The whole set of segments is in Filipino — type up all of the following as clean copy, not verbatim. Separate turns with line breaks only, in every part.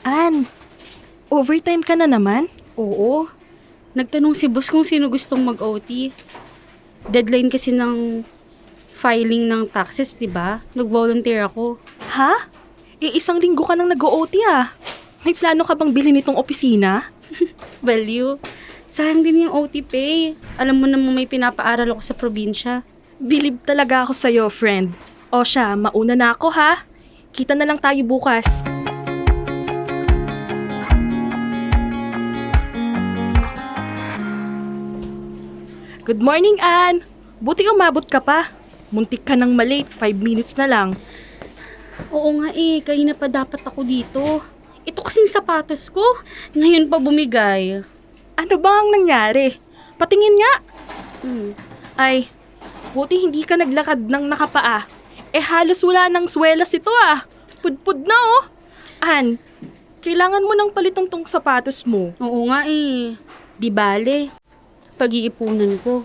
Ann, overtime ka na naman?
Oo. Nagtanong si boss kung sino gustong mag-OT. Deadline kasi ng filing ng taxes, di ba? Nag-volunteer ako.
Ha? Isang linggo ka nang nag-OT ah. May plano ka bang bilhin itong opisina?
Value. Sayang din yung OT pay. Alam mo naman may pinapaaral ako sa probinsya.
Bilib talaga ako sa'yo, friend. O siya, mauna na ako ha. Kita na lang tayo bukas. Good morning, Ann. Buti umabot ka pa. Muntik ka nang malate, 5 minutes na lang.
Oo nga kanina pa dapat ako dito. Ito kasing sapatos ko. Ngayon pa bumigay.
Ano ba ang nangyari? Patingin nga.
Hmm.
Ay, buti hindi ka naglakad ng nakapaa. Halos wala nang swelas ito ah. Pudpud na oh. Ann, kailangan mo ng palitong tong sapatos mo.
Oo nga Di bale. Pag-iipunan ko.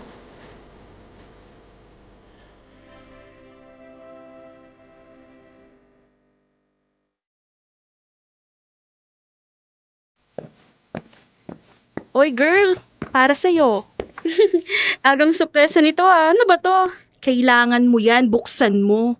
Oy girl, para sa'yo.
Agang sorpresa nito Ano ba to?
Kailangan mo yan, buksan mo.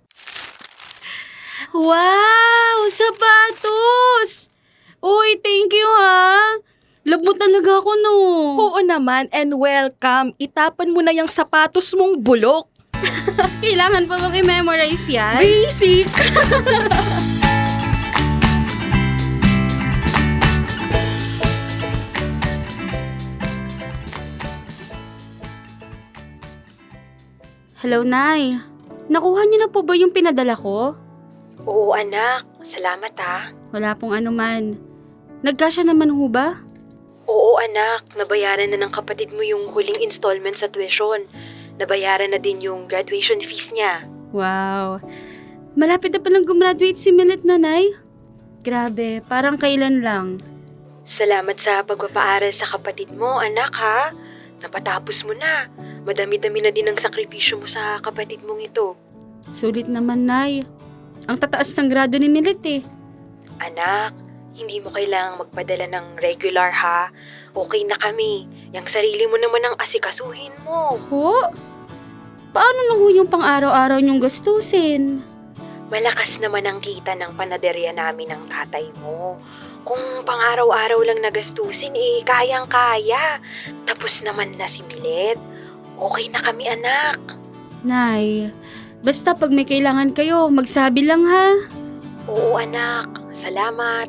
Wow! Sapatos! Uy, thank you Love mo talaga ako no.
Oo naman, and welcome. Itapan mo na yung sapatos mong bulok.
Kailangan pa bang i-memorize yan?
Basic!
Hello, Nay. Nakuha niyo na po ba yung pinadala ko?
Oo anak, salamat ha.
Wala pong anuman. Nagkasya naman ho ba?
Oo anak, nabayaran na ng kapatid mo yung huling installment sa tuition. Nabayaran na din yung graduation fees niya.
Wow. Malapit na palang gumraduate si Millet, Nanay. Grabe, parang kailan lang.
Salamat sa pagpapaaral sa kapatid mo anak ha. Napatapos mo na. Madami-dami na din ang sakripisyo mo sa kapatid mong ito.
Sulit naman, Nay. Ang tataas ng grado ni Millet
Anak, hindi mo kailangang magpadala ng regular ha. Okay na kami. Yang sarili mo naman ang asikasuhin mo.
Ho? Paano na ho yung pang-araw-araw niyong gastusin?
Malakas naman ang kita ng panaderya namin ng tatay mo. Kung pang-araw-araw lang nagastusin, kayang-kaya. Tapos naman na si Milet. Okay na kami, anak.
Nay, basta pag may kailangan kayo, magsabi lang ha.
Oo, anak. Salamat.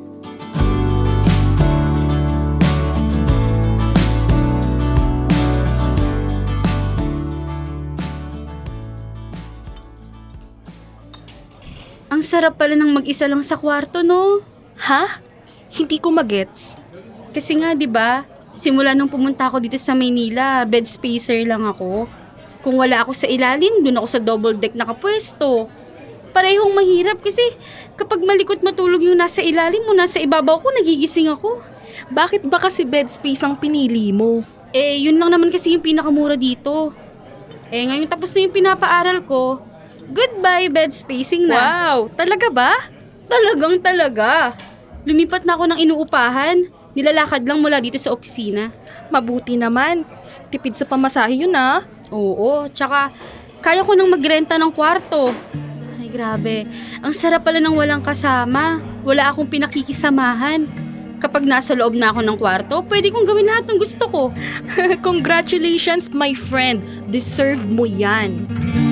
Ang sarap pala ng mag-isa lang sa kwarto, no?
Ha? Hindi ko magets.
Kasi nga, di ba, simula nung pumunta ako dito sa Maynila, bed spacer lang ako. Kung wala ako sa ilalim, dun ako sa double deck nakapwesto. Parehong mahirap kasi kapag malikot matulog yung nasa ilalim mo, nasa ibabaw ko, nagigising ako.
Bakit ba kasi bed space ang pinili mo?
Yun lang naman kasi yung pinakamura dito. Ngayon tapos na yung pinapaaral ko, goodbye bed spacing na.
Wow, talaga ba?
Talagang talaga. Lumipat na ako ng inuupahan. Nilalakad lang mula dito sa opisina.
Mabuti naman. Tipid sa pamasahe yun ah.
Oo, tsaka kaya ko nang magrenta ng kwarto. Ay grabe, ang sarap pala ng walang kasama. Wala akong pinakikisamahan. Kapag nasa loob na ako ng kwarto, pwede kong gawin lahat ng gusto ko.
Congratulations, my friend. Deserved mo yan.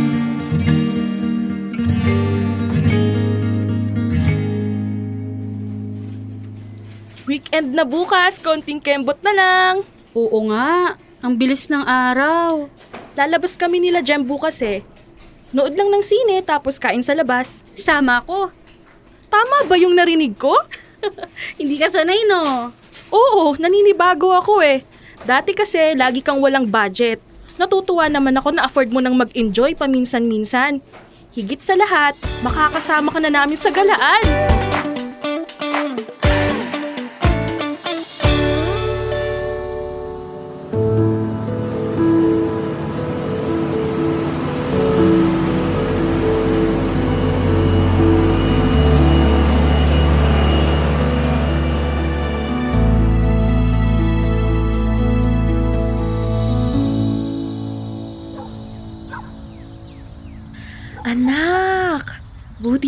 Weekend na bukas, konting kembot na lang.
Oo nga, ang bilis ng araw.
Lalabas kami nila Jem bukas Nood lang ng sine tapos kain sa labas.
Sama ko.
Tama ba yung narinig ko?
Hindi ka sanay, no?
Oo, naninibago ako Dati kasi lagi kang walang budget. Natutuwa naman ako na afford mo nang mag-enjoy paminsan-minsan. Higit sa lahat, makakasama ka na namin sa galaan.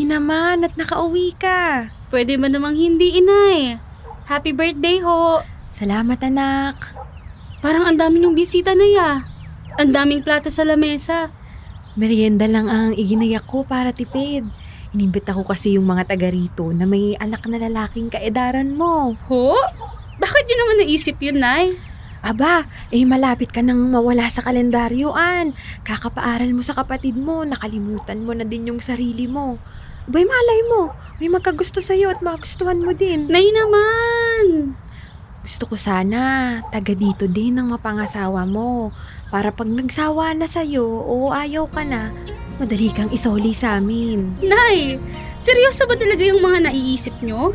Mabuti naman at nakauwi ka.
Pwede ba namang hindi, inay? Happy birthday ho!
Salamat anak.
Parang ang dami ng bisita na ya. Ang daming plato sa lamesa.
Merienda lang ang iginayak ko para tipid. Inimbita ko kasi yung mga taga rito na may anak na lalaking kaedaran mo.
Ho? Bakit yun naman naisip yun, nay?
Aba, malapit ka nang mawala sa kalendaryo, An. Kakapaaral mo sa kapatid mo, nakalimutan mo na din yung sarili mo. Abay, malay mo, may magkagusto sa'yo at magustuhan mo din.
Nay naman!
Gusto ko sana, taga dito din ang mapangasawa mo. Para pag nagsawa na sa'yo o ayaw ka na, madali kang isoli sa amin.
Nay! Seryoso ba talaga yung mga naiisip nyo?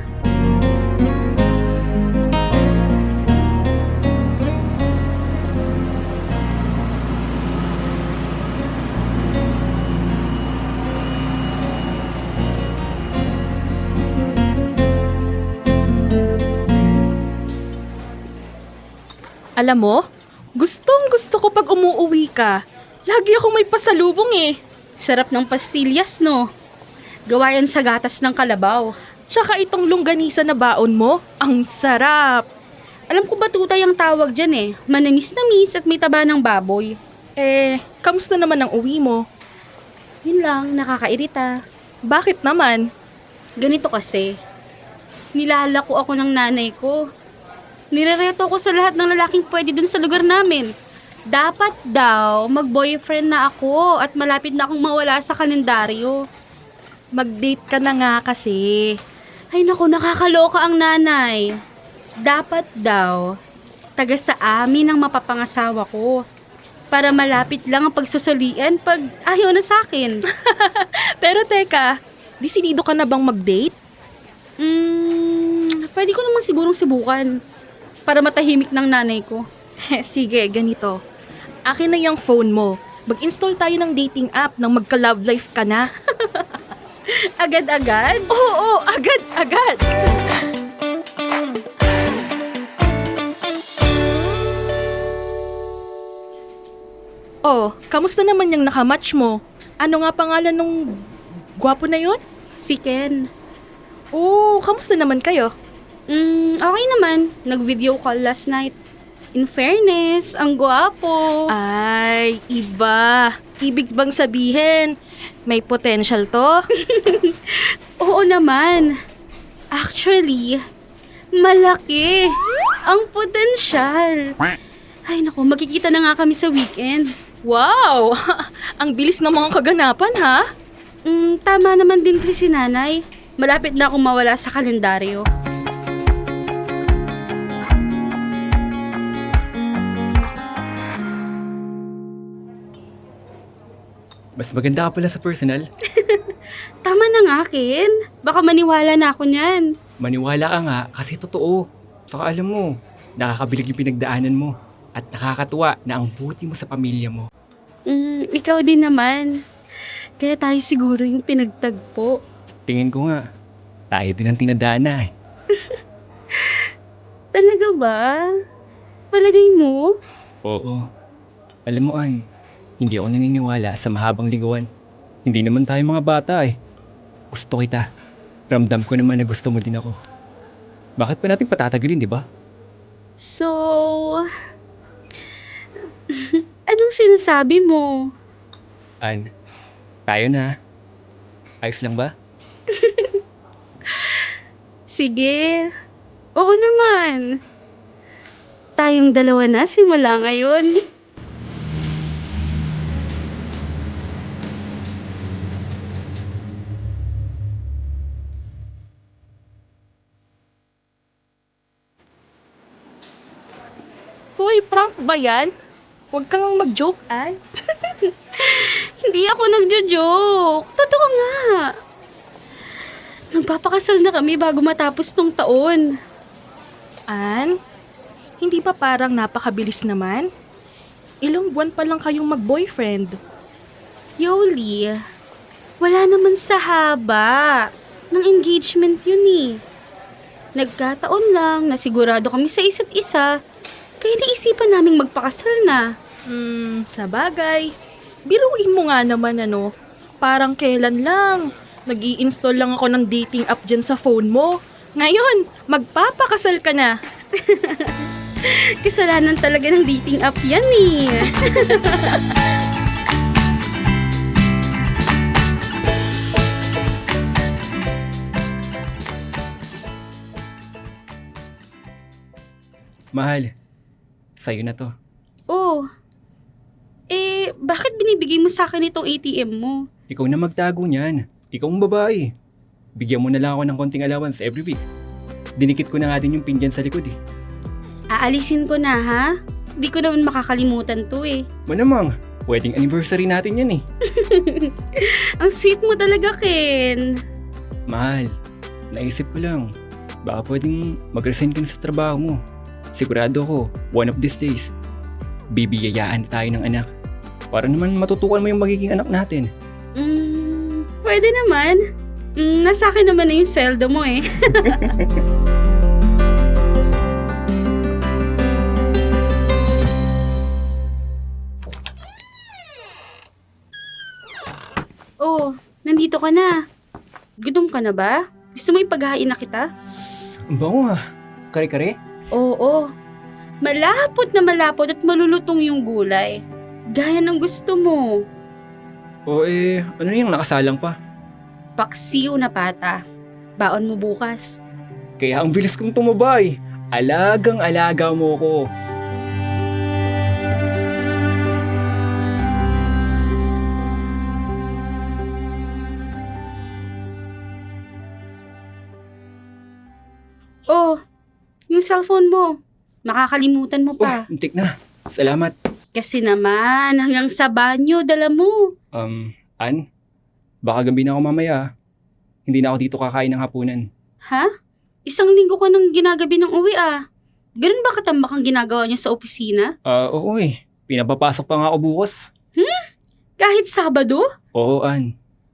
Alam mo, gustong gusto ko pag umuuwi ka. Lagi akong may pasalubong eh.
Sarap ng pastillas, no? Gawa yan sa gatas ng kalabaw.
Tsaka itong longganisa na baon mo, ang sarap.
Alam ko ba tutay ang tawag dyan eh. Manamis-namis at may taba ng baboy.
Kamusta naman ang uwi mo?
Yun lang, nakakairita.
Bakit naman?
Ganito kasi. Nilalako ako ng nanay ko. Nirereto ko sa lahat ng lalaking pwede dun sa lugar namin. Dapat daw mag-boyfriend na ako at malapit na akong mawala sa kalendaryo.
Mag-date ka na nga kasi.
Ay naku, nakakaloka ang nanay. Dapat daw, taga sa amin ang mapapangasawa ko. Para malapit lang ang pagsusulian pag ayaw na sa akin.
Pero teka, desidido ka na bang mag-date?
Pwede ko namang sigurong subukan. Para matahimik ng nanay ko.
Sige, ganito. Akin na yung phone mo. Mag-install tayo ng dating app nang magka-love life ka na.
Agad-agad?
Oo, agad. Oh, kamusta naman yung nakamatch mo? Ano nga pangalan nung gwapo na yon?
Si Ken.
Oh, kamusta naman kayo?
Okay naman. Nag-video call last night. In fairness, ang gwapo.
Ay, iba. Ibig bang sabihin, may potential to?
Oo naman. Actually, malaki ang potensyal. Ay naku, magkikita na nga kami sa weekend.
Wow! Ang bilis ng mga kaganapan, ha?
Tama naman din kasi si nanay. Malapit na akong mawala sa kalendaryo.
Mas maganda ka pala sa personal.
Tama na nga, Ken. Baka maniwala na ako niyan.
Maniwala ka nga kasi totoo. Saka alam mo, nakakabilig yung pinagdaanan mo. At nakakatuwa na ang buti mo sa pamilya mo.
Ikaw din naman. Kaya tayo siguro yung pinagtagpo.
Tingin ko nga, tayo din ang tinadana eh.
Talaga ba? Palagay mo?
Oo. Alam mo, Ann, hindi ako naniniwala sa mahabang ligawan. Hindi naman tayo mga bata eh. Gusto kita. Ramdam ko naman na gusto mo din ako. Bakit pa natin patatagalin, di ba?
So, anong sinasabi mo?
Ann, tayo na. Ayos lang ba?
Sige. Oo naman. Tayong dalawa na simula ngayon.
Hoy, prank ba yan? Huwag kang mag-joke, ay.
Hindi ako nagjo-joke. Totoo nga. Magpapakasal na kami bago matapos tong taon.
Ann, hindi ba parang napakabilis naman? Ilang buwan pa lang kayong mag-boyfriend.
Yoli, wala naman sa haba ng engagement yun eh. Nagkataon lang na sigurado kami sa isa't isa, kaya naisipan naming magpakasal na.
Sa bagay. Biruin mo nga naman parang kailan lang. Nag-i-install lang ako ng dating app dyan sa phone mo. Ngayon, magpapakasal ka na.
Kasalanan talaga ng dating app yan eh.
Mahal, sa'yo na to.
Oh, bakit binibigay mo sa akin itong ATM mo?
Ikaw na magtago niyan. Ikaw ang babae. Bigyan mo na lang ako ng konting allowance every week. Dinikit ko na nga din yung pin dyan sa likod eh.
Aalisin ko na ha? Di ko naman makakalimutan to eh.
Manamang, wedding anniversary natin yan eh.
Ang sweet mo talaga, Ken.
Mahal, naisip ko lang. Baka pwedeng mag-resign ka na sa trabaho mo. Sigurado ko, one of these days, bibiyayaan tayo ng anak. Para naman matutukan mo yung magiging anak natin.
Pwede naman. Nasa akin naman na yung sweldo mo eh. Oh, nandito ka na. Gutom ka na ba? Gusto mo ipaghain na kita?
Ang bango ah. Kare-kare?
Oo. Malapot na malapot at malulutong yung gulay. Gaya ng gusto mo.
O ano yung nakasalang pa?
Paksiw na pata. Baon mo bukas.
Kaya ang bilis kong tumabay. Alagang-alaga mo ko.
Oh, yung cellphone mo. Makakalimutan mo
Oh,
pa.
untik na. Salamat.
Kasi naman, hanggang sa banyo, dala mo.
Ann? Baka gabi na ako mamaya. Hindi na ako dito kakain ng hapunan.
Ha? Isang linggo ka nang ginagabi ng uwi ah. Ganun ba katambak ang ginagawa niya sa opisina?
Oo eh. Pinapapasok pa nga ako bukas.
Kahit Sabado?
Oo, Ann.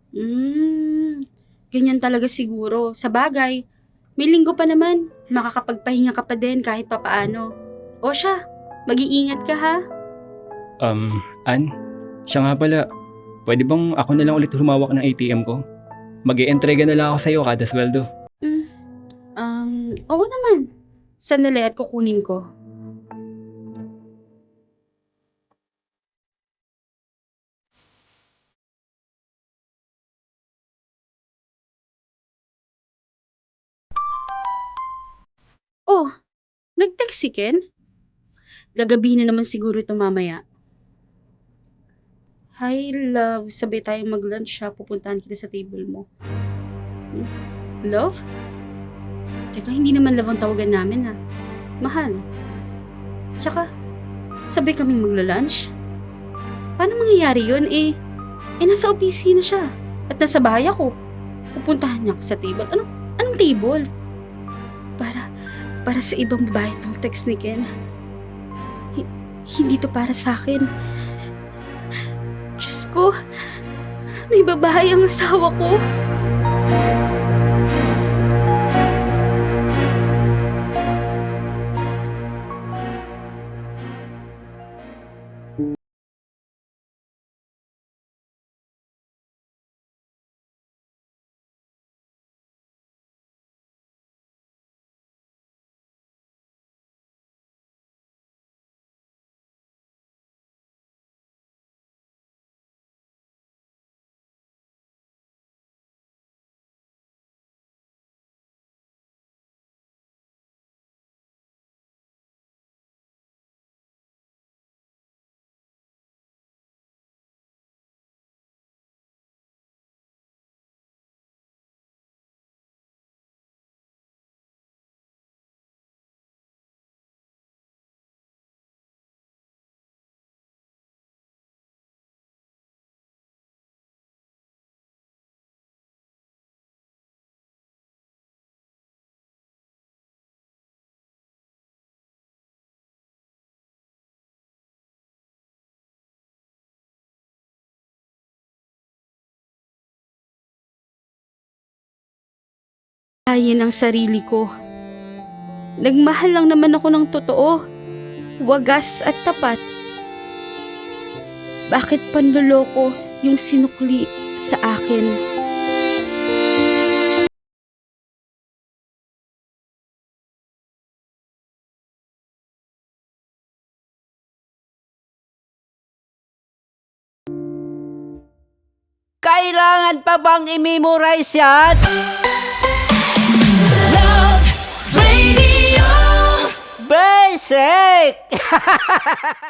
Ganyan talaga siguro. Sa bagay, may linggo pa naman. Makakapagpahinga ka pa din kahit papaano. O siya, mag-iingat ka ha.
Ann? Siya nga pala. Pwede bang ako na lang ulit humawak ng ATM ko? Mag-i-entrega na lang ako sa'yo kada sweldo.
Oo naman. Sandali at kukunin ko. Oh, nag-text si Ken? Gagabihin na naman siguro ito mamaya. Hi, love. Sabay tayong mag-lunch ha. Pupuntahan kita sa table mo. Love? Teka, hindi naman love ang tawagan namin ha. Mahal. Tsaka, sabay kaming magla-lunch? Paano mangyayari yun nasa opisina siya. At nasa bahay ako. Pupuntahan niya ako sa table. Anong table? Para sa ibang babae itong text ni Ken. Hindi to para sa akin. Diyos ko, may babae ang asawa ko. Ayin ang sarili ko. Nagmahal lang naman ako ng totoo. Wagas at tapat. Bakit panloloko yung sinukli sa akin?
kailangan pa bang i-memorize yan?
Love Radio.
Basic!